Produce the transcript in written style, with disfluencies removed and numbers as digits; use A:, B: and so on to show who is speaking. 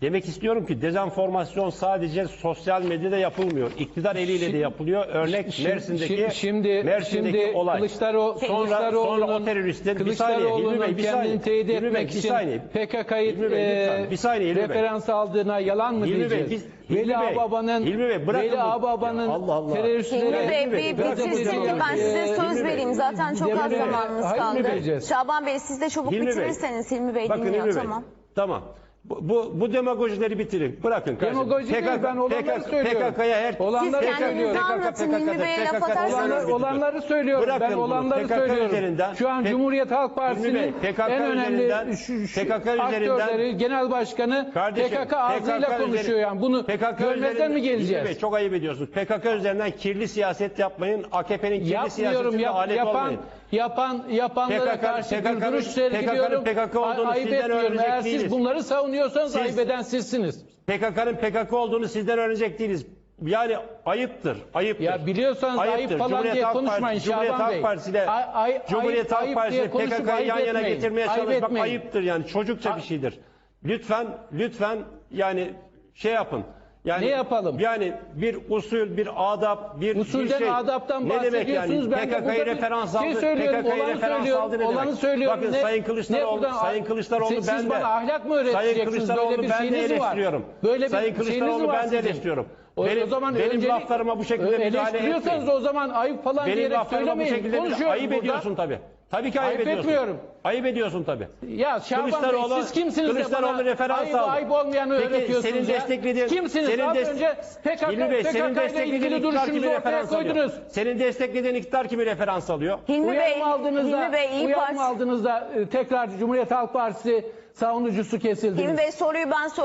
A: Demek istiyorum ki dezenformasyon sadece sosyal medyada yapılmıyor. İktidar eliyle de yapılıyor. Örnek Mersin'deki olay. Sonra o teröristin bir saniye
B: kendini teyit etmek için PKK'yı referans aldığına yalan mı diyeceğiz? Veli Ağbaba'nın teröristlere...
C: Hilmi Bey bir bitirsin de ben size söz vereyim. Zaten çok az zamanımız kaldı. Şaban Bey siz de çabuk bitirirseniz Hilmi Bey dinliyor. Tamam.
A: Tamam. Bu demagojileri bitirin. Bırakın kardeşim.
B: Demagoji değil, ben olanları söylüyorum.
C: Siz kendinizi anlatın Hilmi Bey'e laf atarsanız.
B: Olanları söylüyorum. Ben olanları söylüyorum. Şu an Cumhuriyet Halk Partisi'nin en önemli aktörleri, genel başkanı PKK ağzıyla konuşuyor yani. Bunu görmezden mi geleceğiz?
A: Çok ayıp ediyorsunuz. PKK üzerinden kirli siyaset yapmayın. AKP'nin kirli siyasetine alet olmayın.
B: Yapanlara karşı bir duruş sergiliyorum. Ayıp etmiyorum. Eğer siz bunları savunuyorsanız ayıp eden sizsiniz.
A: PKK'nın PKK olduğunu sizden öğrenecek değiliz. Yani ayıptır.
B: Ya biliyorsanız ayıp falan diye konuşmayın Şaban Bey.
A: Cumhuriyet Halk Partisi'yle PKK'yı yan yana getirmeye çalışmak ayıptır yani. Çocukça bir şeydir. Lütfen yani şey yapın. Yani,
B: ne yapalım?
A: Yani bir usul, bir adap,
B: usulden, adaptan bahsediyorsunuz.
A: Yani? PKK'yı referans aldı.
B: Olanı söylüyorum.
A: Bakın Sayın Kılıçdaroğlu
B: siz bana ahlak mı öğreteceksiniz? Böyle bir şeyiniz var.
A: Sayın Kılıçdaroğlu ben de eleştiriyorum. Benim laflarıma bu şekilde müdahale etmeyin.
B: Eleştiriyorsanız o zaman ayıp falan diyerek söylemeyin. Konuşuyoruz
A: ayıp ediyorsun tabii. Tabii ki ayıp ediyorsun.
B: Etmiyorum.
A: Ayıp ediyorsun tabii.
B: Ya Şaban Bey siz kimsiniz de bana ayıp olmayanı öğretiyorsunuz
A: senin
B: desteklediğin, kimsiniz? Az önce PKK ile ilgili duruşunuzu ortaya koydunuz.
A: Senin desteklediğin iktidar kimi referans alıyor?
C: Hilmi Bey
B: aldığınızda tekrar Cumhuriyet Halk Partisi savunucusu kesildi.
C: Hilmi Bey soruyu ben